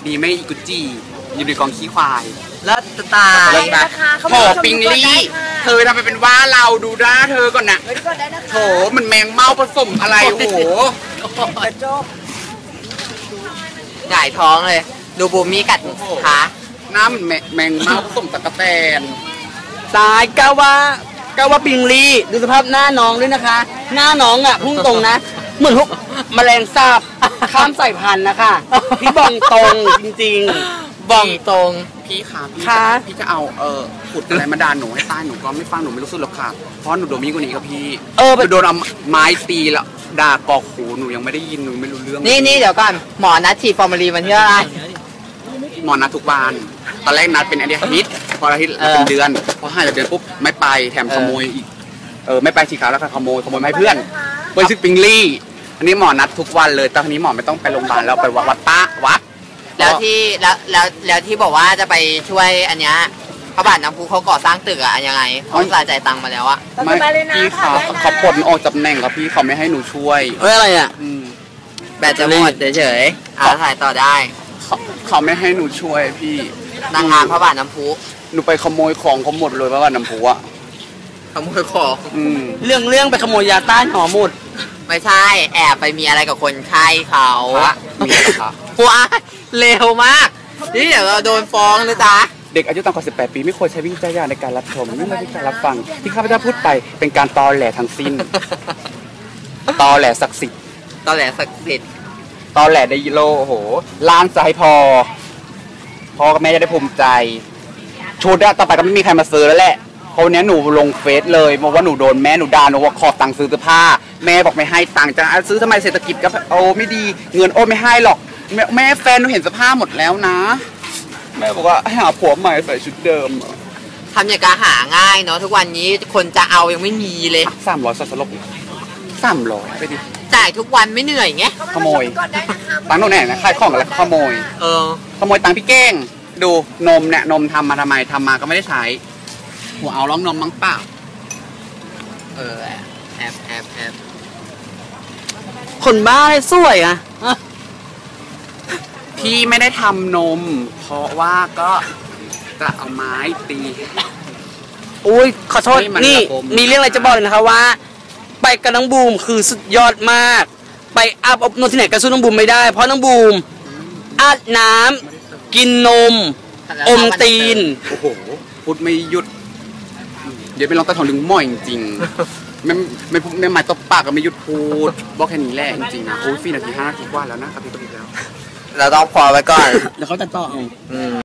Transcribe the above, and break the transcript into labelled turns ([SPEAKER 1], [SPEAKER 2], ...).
[SPEAKER 1] ดีไม่กุจีอยู่ในกองขี้ควาย
[SPEAKER 2] แล้วตาย
[SPEAKER 1] โถปิงลี่เธอทำไปเป็นว่าเราดูด้าเธอก่อนนะโถมันแมงเม่าผสมอะไรโอ้โห
[SPEAKER 2] หงายท้องเลยดูบูมี่กัดขา
[SPEAKER 1] น้ำมันแมงเม่าผสมตะกะแตน
[SPEAKER 3] ตายก้าวปิงลี่ดูสภาพหน้าน้องด้วยนะคะ หน้าน้องอ่ะพุ่งตรงนะเหมือนพวกแมลงสาบข้ามสายพันธุ์นะคะพี่บองตรงจริงๆ
[SPEAKER 2] บ่องตรง
[SPEAKER 1] พี่จะเอาขุดอะไรมาดานหนูให้ตายหนูก็ไม่ฟังหนูไม่รู้สึกหรอกค่ะเพราะหนูโดนมีกว่านี้กับพี่โดนเอาไม้ตีแล้วด่ากอกหูหนูยังไม่ได้ยินหนูไม่รู้เรื่อง
[SPEAKER 2] นี่เดี๋ยวก่อนหมอนัดฉีดฟอร์มาลีนวันที่อะไร
[SPEAKER 1] หมอนัดทุกวันตอนแรกนัดเป็นอาทิตย์พออาทิตย์เป็นเดือนพอ5 เดือนปุ๊บไม่ไปแถมขโมยอีกไม่ไปฉีดขาแล้วก็ขโมยมาให้เพื่อนชื่อปิงลี่อันนี้หมอนัดทุกวันเลยตอนนี้หมอไม่ต้องไปโรงพยาบาลแล้วไปวัด
[SPEAKER 2] แล้วที่บอกว่าจะไปช่วยอันเนี้ยพระบาทน้ำพุเขาก่อสร้างตึกอะยังไงเขาจ่ายตังค์มาแล้วอะ
[SPEAKER 1] ไม่พี่เขาปลดออกจากตำแหน่งครับพี่เขาไม่ให้หนูช่วย
[SPEAKER 3] อะไรอะ
[SPEAKER 2] แบตจะหมดเฉยๆถ่ายต่อได้
[SPEAKER 1] เขาไม่ให้หนูช่วยพี่
[SPEAKER 2] นางงามพระบาทน้ำพุ
[SPEAKER 1] หนูไปขโมยของเขาหมดเลยพระบาทน้ำพุอะ
[SPEAKER 2] ขโมยของ
[SPEAKER 3] เรื่องไปขโมยยาต้านหอหมด
[SPEAKER 2] ไม่ใช่แอบไปมีอะไรกับคนไข้เขา
[SPEAKER 1] มีอะไรคะ
[SPEAKER 2] ว้าเร็วมากนี่เดี๋ยวเราโดนฟ้องนะจ๊ะ
[SPEAKER 1] เด็กอายุต่ำกว่า18 ปีไม่ควรใช้วิจารณญาณในการรับชมไม่ใช่การรับฟังที่ข้าพเจ้าพูดไปเป็นการตอแหลทั้งสิ้นตอแหลศักดิ์สิทธิ์
[SPEAKER 2] ตอแหลศักดิ์สิทธิ์
[SPEAKER 1] ตอแหลไดโลโอ้โหล้านจะให้พ่อกับแม่จะได้ภูมิใจชุดต่อไปก็ไม่มีใครมาซื้อแล้วแหละเพราะวันนี้หนูลงเฟซเลยบอกว่าหนูโดนแม่หนูด่าหนูว่าขอตังค์ซื้อเสื้อผ้าแม่บอกไม่ให้ตังค์จะซื้อทำไมเศรษฐกิจก็ไม่ดีเงินไม่ให้หรอกแม่แฟนหนูเห็นเสื้อผ้าหมดแล้วนะแม่บอกว่าให้หาผัวใหม่ใส่ชุดเดิม
[SPEAKER 2] ทำอย่างการหาง่ายเนาะทุกวันนี้คนจะเอายังไม่มีเลย
[SPEAKER 1] 300สักสลบ300ไปดิ
[SPEAKER 2] จ่ายทุกวันไม่เหนื่อยไง
[SPEAKER 1] ขโมยตังค์โน่นแน่นะขายของอะไรขโมยขโมยตังค์พี่เก้งดูนมเนี่ยนมทำมาทำไมทำมาก็ไม่ได้ใช้หัวเอาร้องนมมั้งเปล่า
[SPEAKER 2] แอบ
[SPEAKER 3] คนบ้าเลยสวยอ่ะ
[SPEAKER 1] พี่ไม่ได้ทำนมเพราะว่าก็จะเอาไม้ตี
[SPEAKER 3] อุ้ยขอโทษนี่มีเรื่องอะไรจะบอกเลยนะคะว่าไปกับน้องบูมคือสุดยอดมากไปอาบอบนวดที่ไหนก็สู้น้องบูมไม่ได้เพราะน้องบูมอาบน้ำกินนมอมตีน
[SPEAKER 1] โอ้โหพูดไม่หยุดเดี๋ยวไปลองตะถอนดึงหม้อจริงๆไม่หมายตบปากก็ไม่หยุดพูดบอกแค่นี้แหละจริงๆนะโอ้ย4 นาที 5 นาทีกว่าแล้วนะครับพี่ก็ดีแล้ว
[SPEAKER 2] เราต้องพอไว้ก่อน
[SPEAKER 3] แล้วเขาจะต่อ